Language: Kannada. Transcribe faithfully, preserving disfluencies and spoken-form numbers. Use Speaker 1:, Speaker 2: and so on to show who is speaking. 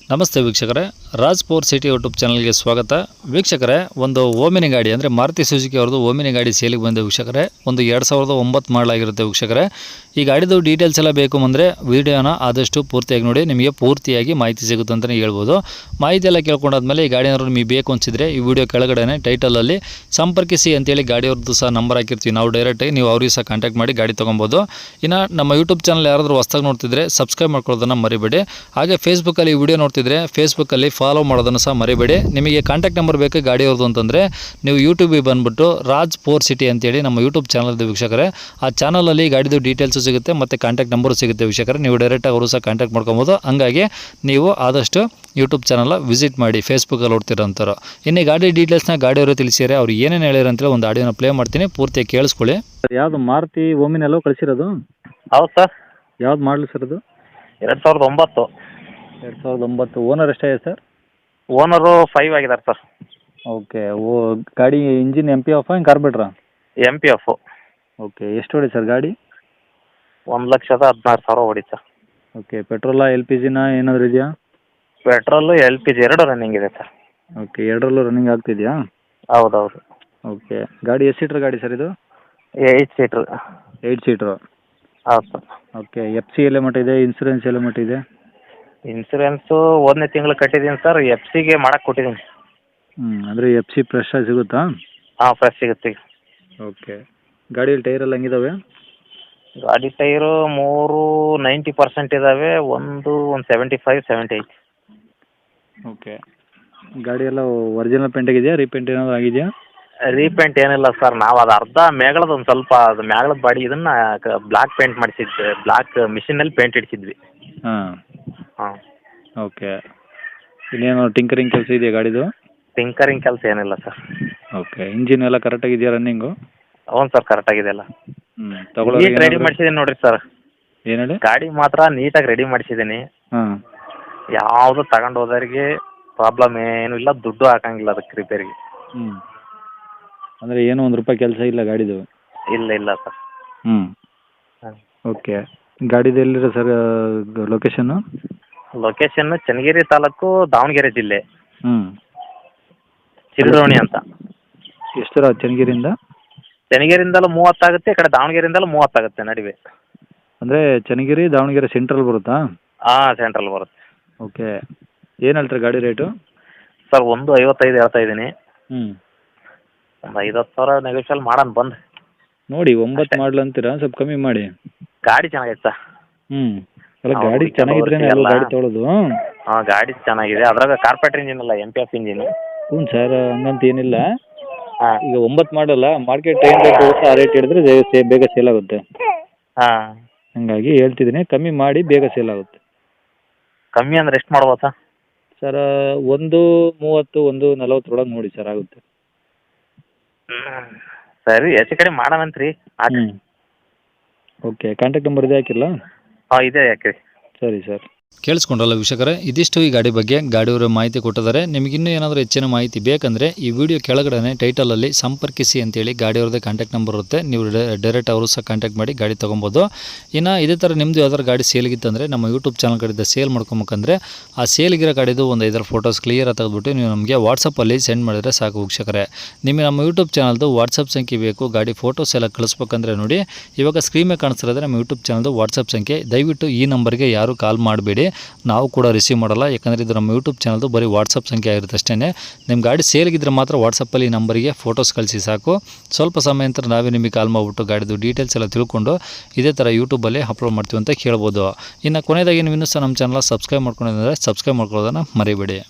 Speaker 1: ನಮಸ್ತೆ ವೀಕ್ಷಕರೇ, ರಾಜ್ ಪವರ್ ಸಿಟಿ ಯೂಟ್ಯೂಬ್ ಚಾನಲ್ಗೆ ಸ್ವಾಗತ. ವೀಕ್ಷಕರೇ, ಒಂದು ಓಮಿನಿ ಗಾಡಿ ಅಂದರೆ ಮಾರುತಿ ಸುಜುಕಿ ಅವ್ರದ್ದು ಓಮಿನಿ ಗಾಡಿ ಸೇಲಿಗೆ ಬಂದ ವೀಕ್ಷಕರೇ. ಒಂದು ಎರಡು ಸಾವಿರದ ಒಂಬತ್ತು ಮಾಡಲಾಗಿರುತ್ತೆ ವೀಕ್ಷಕರೇ. ಈ ಗಾಡಿದು ಡೀಟೇಲ್ಸ್ ಎಲ್ಲ ಬೇಕು ಅಂದರೆ ವೀಡಿಯೋನ ಆದಷ್ಟು ಪೂರ್ತಿಯಾಗಿ ನೋಡಿ, ನಿಮಗೆ ಪೂರ್ತಿಯಾಗಿ ಮಾಹಿತಿ ಸಿಗುತ್ತೆ ಅಂತಲೇ ಹೇಳ್ಬೋದು. ಮಾಹಿತಿ ಎಲ್ಲ ಕೇಳ್ಕೊಂಡಾದ್ಮೇಲೆ ಈ ಗಾಡಿ ಏನಾದ್ರು ನಿಮಗೆ ಬೇಕು ಅನಿಸಿದ್ರೆ ಈ ವಿಡಿಯೋ ಕೆಳಗಡೆ ಟೈಟಲಲ್ಲಿ ಸಂಪರ್ಕಿಸಿ ಅಂತೇಳಿ ಗಾಡಿಯವ್ರದ್ದು ಸಹ ನಂಬರ್ ಹಾಕಿರ್ತೀವಿ ನಾವು. ಡೈರೆಕ್ಟಾಗಿ ನೀವು ಅವ್ರಿಗೆ ಸಹ ಕಾಂಟ್ಯಾಕ್ಟ್ ಮಾಡಿ ಗಾಡಿ ತೊಗೊಬೋದು. ಇನ್ನು ನಮ್ಮ ಯೂಟ್ಯೂಬ್ ಚಾನಲ್ ಯಾರಾದರೂ ಹೊಸ್ದಾಗಿ ನೋಡ್ತಿದ್ರೆ ಸಬ್ಸ್ಕ್ರೈಬ್ ಮಾಡ್ಕೊಳ್ಳೋದನ್ನು ಮರಿಬೇಡಿ. ಹಾಗೆ ಫೇಸ್ಬುಕ್ಕಲ್ಲಿ ಈ ವಿಡಿಯೋ ನೋಡ್ತಿದ್ರೆ ಫೇಸ್ಬುಕ್ಕಲ್ಲಿ ಫಾಲೋ ಮಾಡೋದನ್ನು ಸಹ ಮರಿಬೇಡಿ. ನಿಮಗೆ ಕಾಂಟ್ಯಾಕ್ಟ್ ನಂಬರ್ ಬೇಕು ಗಾಡಿಯವ್ರದ್ದು ಅಂತಂದರೆ ನೀವು ಯೂಟ್ಯೂಬಿಗೆ ಬಂದುಬಿಟ್ಟು ರಾಜ್ ಪವರ್ ಸಿಟಿ ಅಂತೇಳಿ ನಮ್ಮ ಯೂಟ್ಯೂಬ್ ಚಾನಲ್ ಇದೆ ವೀಕ್ಷಕರೇ. ಆ ಚಾನಲಲ್ಲಿ ಗಾಡಿದು ಡೀಟೇಲ್ಸು ಸಿಗುತ್ತೆ ಮತ್ತು ಕಾಂಟ್ಯಾಕ್ಟ್ ನಂಬರು ಸಿಗುತ್ತೆ ವೀಕ್ಷಕರೇ. ನೀವು ಡೈರೆಕ್ಟಾಗಿ ಅವರು ಸಹ ಕಾಂಟ್ಯಾಕ್ಟ್ ಮಾಡ್ಕೊಬೋದು. ಹಂಗಾಗಿ ನೀವು ಆದಷ್ಟು ಯೂಟ್ಯೂಬ್ ಚಾನಲ್ ವಿಸಿಟ್ ಮಾಡಿ, ಫೇಸ್ಬುಕ್ಕಲ್ಲಿ ನೋಡ್ತಿರೋಂಥವ್ರು. ಇನ್ನು ಗಾಡಿ ಡೀಟೇಲ್ಸ್ನ ಗಾಡಿಯವರು ತಿಳಿಸಿದರೆ ಅವ್ರು ಏನೇನು ಹೇಳಿರ ಅಂತೇಳಿ ಒಂದು ಆಡಿಯೋನ ಪ್ಲೇ ಮಾಡ್ತೀನಿ, ಪೂರ್ತಿಯಾಗಿ ಕೇಳಿಸ್ಕೊಳ್ಳಿ. ಯಾವುದು ಮಾರುತಿ ಓಮಿನೆಲ್ಲೋ ಕಳಿಸಿರೋದು?
Speaker 2: ಹೌದು ಸರ್.
Speaker 1: ಯಾವ್ದು ಮಾಡಲಿ ಸರ್ ಅದು?
Speaker 2: ಎರಡು ಸಾವಿರದ ಒಂಬತ್ತು.
Speaker 1: ಎರಡು ಸಾವಿರದ ಒಂಬತ್ತು. ಓನರ್ ಎಷ್ಟಾಗಿದೆ ಸರ್?
Speaker 2: ಓನರು ಫೈವ್ ಆಗಿದ್ದಾರೆ ಸರ್.
Speaker 1: ಓಕೆ. ಓ ಗಾಡಿ ಇಂಜಿನ್ ಎಮ್ ಪಿ ಎಫ್ ಏನು ಕಾರ್ಬೇಟ್ರಾ?
Speaker 2: M P F.
Speaker 1: ಓಕೆ. ಎಷ್ಟು ಹೊಡಿ ಸರ್ ಗಾಡಿ?
Speaker 2: ಒಂದು ಲಕ್ಷದ ಹದಿನಾರು ಸಾವಿರ ಹೊಡಿ ಸರ್.
Speaker 1: ಓಕೆ. ಪೆಟ್ರೋಲಾ ಎಲ್ ಪಿ ಜಿನ ಏನಾದರೂ ಇದೆಯಾ?
Speaker 2: ಪೆಟ್ರೋಲು ಎಲ್ ಪಿ ಜಿ ಎರಡು ರನ್ನಿಂಗ್ ಇದೆ ಸರ್.
Speaker 1: ಓಕೆ. ಎರಡರಲ್ಲೂ ರನ್ನಿಂಗ್ ಆಗ್ತಿದೆಯಾ?
Speaker 2: ಹೌದೌದು.
Speaker 1: ಓಕೆ. ಗಾಡಿ ಎಷ್ಟು ಸೀಟ್ರ್ ಗಾಡಿ ಸರ್ ಇದು?
Speaker 2: Eight seater.
Speaker 1: Eight seater.
Speaker 2: ಹೌದು ಸರ್.
Speaker 1: ಓಕೆ. ಎಫ್ ಸಿ ಎಲ್ಲ ಮಟ್ಟ ಇದೆ? ಇನ್ಸೂರೆನ್ಸ್ ಎಲ್ಲ ಮಟ್ಟ ಇದೆ?
Speaker 2: ಇನ್ಸೂರೆನ್ಸು ಒಂದನೇ ತಿಂಗಳು ಕಟ್ಟಿದ್ದೀನಿ ಸರ್. ಎಫ್ ಸಿಗೆ ಮಾಡಕ್ಕೆ ಕೊಟ್ಟಿದ್ದೀನಿ.
Speaker 1: ಹ್ಞೂ ಅಂದರೆ ಎಫ್ ಸಿ ಫ್ರೆಶ್ ಆಗಿ ಸಿಗುತ್ತಾ?
Speaker 2: ಹಾಂ, ಫ್ರೆಶ್ ಸಿಗುತ್ತೆ.
Speaker 1: ಓಕೆ. ಗಾಡಿಯಲ್ಲಿ ಟೈರ್ ಎಲ್ಲ ಹೆಂಗಿದಾವೆ?
Speaker 2: ಗಾಡಿ ಟೈರು ಮೂರು ನೈಂಟಿ ಪರ್ಸೆಂಟ್ ಇದ್ದಾವೆ. ಒಂದು ಒಂದು seventy five seventy eight.
Speaker 1: Okay. ಗಾಡಿ ಎಲ್ಲ ಒರಿಜಿನಲ್ ಪೇಂಟ್ ಆಗಿದೆಯಾ? ರೀಪೇಂಟ್ ಏನಾದರೂ ಆಗಿದೆಯಾ?
Speaker 2: ರೀಪೇಂಟ್ ಏನಿಲ್ಲ ಸರ್. ನಾವು ಅದು ಅರ್ಧ ಮೇಗಳದ ಒಂದು ಸ್ವಲ್ಪ ಅದು ಮೇಗಳದ ಬಾಡಿ ಇದನ್ನು ಬ್ಲ್ಯಾಕ್ ಪೇಂಟ್ ಮಾಡಿಸಿದ್ವಿ. ಬ್ಲ್ಯಾಕ್ ಮಿಷಿನಲ್ಲಿ ಪೇಂಟ್ ಇಡಿಸಿದ್ವಿ.
Speaker 1: ಹಾಂ.
Speaker 2: ಹಾಂ.
Speaker 1: ಓಕೆ. ಇನ್ನೇನು ಟಿಂಕರಿಂಗ್ ಕೆಲಸ ಇದೆಯಾ ಗಾಡಿದು?
Speaker 2: ಟಿಂಕರಿಂಗ್ ಕೆಲಸ ಏನಿಲ್ಲ ಸರ್.
Speaker 1: ಓಕೆ. ಇಂಜಿನ್ ಎಲ್ಲ ಕರೆಕ್ಟಾಗಿದೆಯಾ ರನ್ನಿಂಗು?
Speaker 2: ಹ್ಞೂ ಸರ್, ಕರೆಕ್ಟಾಗಿದೆ ಎಲ್ಲ.
Speaker 1: ಹ್ಞೂ. ತಗೊಳ್ಳೋ
Speaker 2: ನೀಟ್ ರೆಡಿ ಮಾಡಿಸಿದ್ದೀನಿ ನೋಡಿರಿ ಸರ್.
Speaker 1: ಏನು ಹೇಳಿ?
Speaker 2: ಗಾಡಿ ಮಾತ್ರ ನೀಟಾಗಿ ರೆಡಿ ಮಾಡಿಸಿದ್ದೀನಿ.
Speaker 1: ಹಾಂ.
Speaker 2: ಯಾವುದು ತಗೊಂಡು ಹೋದವ್ರಿಗೆ ಪ್ರಾಬ್ಲಮ್ ಏನೂ ಇಲ್ಲ, ದುಡ್ಡು ಹಾಕಂಗಿಲ್ಲ ಅದಕ್ಕೆ ರಿಪೇರಿಗೆ.
Speaker 1: ಹ್ಞೂ. ಅಂದರೆ ಏನೋ ಒಂದು ರೂಪಾಯಿ ಕೆಲಸ ಇಲ್ಲ ಗಾಡಿದು?
Speaker 2: ಇಲ್ಲ ಇಲ್ಲ ಸರ್.
Speaker 1: ಹ್ಞೂ.
Speaker 2: ಹಾಂ.
Speaker 1: ಓಕೆ. ಗಾಡಿದು ಎಲ್ಲಿರೋ ಸರ್ ಲೊಕೇಶನ್ನು?
Speaker 2: ಲೊಕೇಶನ್ನು ಚನ್ನಗಿರಿ ತಾಲೂಕು, ದಾವಣಗೆರೆ ಜಿಲ್ಲೆ,
Speaker 1: ಹ್ಞೂ.
Speaker 2: ಚಿರಡೋಣಿ ಅಂತ.
Speaker 1: ಎಷ್ಟು ದೂರ ಚನ್ನಗಿರಿಯಿಂದ?
Speaker 2: ಚನ್ನಗಿರಿಯಿಂದಲೂ ಮೂವತ್ತಾಗುತ್ತೆ, ಈ ಕಡೆ ದಾವಣಗೆರೆಯಿಂದಲೂ ಮೂವತ್ತಾಗುತ್ತೆ ನಡುವೆ.
Speaker 1: ಅಂದರೆ ಚನ್ನಗಿರಿ ದಾವಣಗೆರೆ ಸೆಂಟ್ರಲ್ ಬರುತ್ತಾ?
Speaker 2: ಹಾಂ, ಸೆಂಟ್ರಲ್ ಬರುತ್ತೆ.
Speaker 1: ಓಕೆ. ಏನು ಹೇಳ್ತಾರೆ ಗಾಡಿ ರೇಟು?
Speaker 2: ಸರ್ ಒಂದು ಐವತ್ತೈದು ಹೇಳ್ತಾ ಇದ್ದೀನಿ.
Speaker 1: ಹ್ಞೂ.
Speaker 2: ಒಂದು ಐವತ್ತು ಸಾವಿರ ನೆಗೋಷಿಯಲ್ ಮಾಡೋಣ ಬಂದು
Speaker 1: ನೋಡಿ. ಒಂಬತ್ತು ಮಾಡಲು ಅಂತೀರಾ? ಸ್ವಲ್ಪ ಕಮ್ಮಿ ಮಾಡಿ.
Speaker 2: ಗಾಡಿ ಚೆನ್ನಾಗೈತೆ ಸರ್.
Speaker 1: ಹ್ಞೂ. ಅಲ್ಲ, ಗಾಡಿ ಚೆನ್ನಾಗಿದ್ರೆ ಎಲ್ಲ ಗಾಡಿ ತೊಗೊಳೋದು.
Speaker 2: ಹಾಂ, ಗಾಡಿ ಚೆನ್ನಾಗಿದೆ. ಅದ್ರಾಗ ಕಾರ್ಪೆಟ್ರ್ ಇಂಜಿನ್ ಅಲ್ಲ, ಎಮ್ ಪಿ ಎಫ್ ಇಂಜಿನ್.
Speaker 1: ಹ್ಞೂ ಸರ್, ಹಂಗಂತ ಏನಿಲ್ಲ.
Speaker 2: ಹಾಂ.
Speaker 1: ಈಗ ಒಂಬತ್ತು ಮಾಡಲ್ಲ, ಮಾರ್ಕೆಟ್ ಏನು ರೇಟ್ ಆ ರೇಟ್ ಹಿಡಿದ್ರೆ ಸೇ ಬೇಗ ಸೇಲ್ ಆಗುತ್ತೆ.
Speaker 2: ಹಾಂ.
Speaker 1: ಹಾಗಾಗಿ ಹೇಳ್ತಿದ್ದೀನಿ, ಕಮ್ಮಿ ಮಾಡಿ, ಬೇಗ ಸೇಲ್ ಆಗುತ್ತೆ.
Speaker 2: ಕಮ್ಮಿ ಅಂದ್ರೆ ಎಷ್ಟು ಮಾಡ್ಬೋದು ಸರ್?
Speaker 1: ಸರ್ ಒಂದು ಮೂವತ್ತು, ಒಂದು ನಲವತ್ತರೊಳಗೆ ನೋಡಿ ಸರ್, ಆಗುತ್ತೆ.
Speaker 2: ಸರಿ, ಹೆಚ್ಚು ಕಡೆ ಮಾಡೋಣಂತ್ರಿ.
Speaker 1: ಹ್ಞೂ. ಓಕೆ. ಕಾಂಟ್ಯಾಕ್ಟ್ ನಂಬರ್ ಇದೆ ಹಾಕಿಲ್ಲ?
Speaker 2: ಹಾಂ, ಇದೆ ಯಾಕೆ.
Speaker 1: ಸರಿ ಸರ್. ಕೇಳಿಸ್ಕೊಂಡ್ರಲ್ಲ ವೀಕ್ಷಕರೇ, ಇದಿಷ್ಟು ಈ ಗಾಡಿ ಬಗ್ಗೆ ಗಾಡಿಯವರು ಮಾಹಿತಿ ಕೊಟ್ಟಿದ್ದಾರೆ. ನಿಮಗಿನ್ನೂ ಏನಾದರೂ ಹೆಚ್ಚಿನ ಮಾಹಿತಿ ಬೇಕಂದರೆ ಈ ವಿಡಿಯೋ ಕೆಳಗಡೆ ಟೈಟಲಲ್ಲಿ ಸಂಪರ್ಕಿಸಿ ಅಂತೇಳಿ ಗಾಡಿಯವ್ರದ್ದೇ ಕಾಂಟ್ಯಾಕ್ಟ್ ನಂಬರ್ ಇರುತ್ತೆ. ನೀವು ಡೈರೆಕ್ಟ್ ಅವರು ಸಹ ಕಾಂಟ್ಯಾಕ್ಟ್ ಮಾಡಿ ಗಾಡಿ ತೊಗೊಬೋದು. ಇನ್ನು ಇದೇ ಥರ ನಿಮ್ಮದು ಯಾವ್ದಾದ್ರು ಗಾಡಿ ಸೇಲ್ಗಿತ್ತಂದರೆ ನಮ್ಮ ಯೂಟ್ಯೂಬ್ ಚಾನಲ್ ಕಡೆಯಿಂದ ಸೇಲ್ ಮಾಡ್ಕೊಬೇಕಂದ್ರೆ ಆ ಸೇಲ್ಗಿರೋ ಗಾಡಿದು ಒಂದು ಐದರ ಫೋಟೋಸ್ ಕ್ಲಿಯರ್ ತೆಗೆದುಬಿಟ್ಟು ನೀವು ನಮಗೆ ವಾಟ್ಸಪ್ಪಲ್ಲಿ ಸೆಂಡ್ ಮಾಡಿದರೆ ಸಾಕು ವೀಕ್ಷಕರೇ. ನಿಮಗೆ ನಮ್ಮ ಯೂಟ್ಯೂಬ್ ಚಾನಲ್ದು ವಾಟ್ಸಪ್ ಸಂಖ್ಯೆ ಬೇಕು, ಗಾಡಿ ಫೋಟೋಸ್ ಎಲ್ಲ ಕಳಿಸ್ಬೇಕಂದ್ರೆ ನೋಡಿ, ಇವಾಗ ಸ್ಕ್ರೀನ್ ಮೇಲೆ ಕಾಣಿಸ್ತಿರೋದ್ರೆ ನಮ್ಮ ಯೂಟ್ಯೂಬ್ ಚಾನಲ್ದು ವಾಟ್ಸಪ್ ಸಂಖ್ಯೆ. ದಯವಿಟ್ಟು ಈ ನಂಬರ್ಗೆ ಯಾರು ಕಾಲ್ ಮಾಡಬೇಡಿ, ನಾವು ಕೂಡ ರಿಸೀವ್ ಮಾಡಲ್ಲ. ಯಾಕಂದರೆ ಇದು ನಮ್ಮ ಯೂಟ್ಯೂಬ್ ಚಾನಲ್ದು ಬರೀ ವಾಟ್ಸಪ್ ಸಂಖ್ಯೆ ಆಗಿರುತ್ತೆ ಅಷ್ಟೇ. ನಿಮ್ಮ ಗಾಡಿ ಸೇಲ್ಗಿದ್ರೆ ಮಾತ್ರ ವಾಟ್ಸಪ್ಪಲ್ಲಿ ಈ ನಂಬರಿಗೆ ಫೋಟೋಸ್ ಕಳಿಸಿ ಸಾಕು. ಸ್ವಲ್ಪ ಸಮಯ ನಂತರ ನಾವೇ ನಿಮಗೆ ಕಾಲ್ ಮಾಡಿಬಿಟ್ಟು ಗಾಡಿದು ಡೀಟೇಲ್ಸ್ ಎಲ್ಲ ತಿಳ್ಕೊಂಡು ಇದೇ ಥರ ಯೂಟ್ಯೂಬಲ್ಲಿ ಅಪ್ಲೋಡ್ ಮಾಡ್ತೀವಿ ಅಂತ ಕೇಳ್ಬೋದು. ಇನ್ನು ಕೊನೆಯದಾಗಿ ನೀವು ಇನ್ನೂ ಸಹ ನಮ್ಮ ಚಾನಲ್ ಸಬ್ಸ್ಕ್ರೈಬ್ ಮಾಡ್ಕೊಂಡಿದ್ರೆ ಸಬ್ಸ್ಕ್ರೈಬ್ ಮಾಡ್ಕೊಳ್ಳೋದನ್ನು ಮರಿಬೇಡಿ.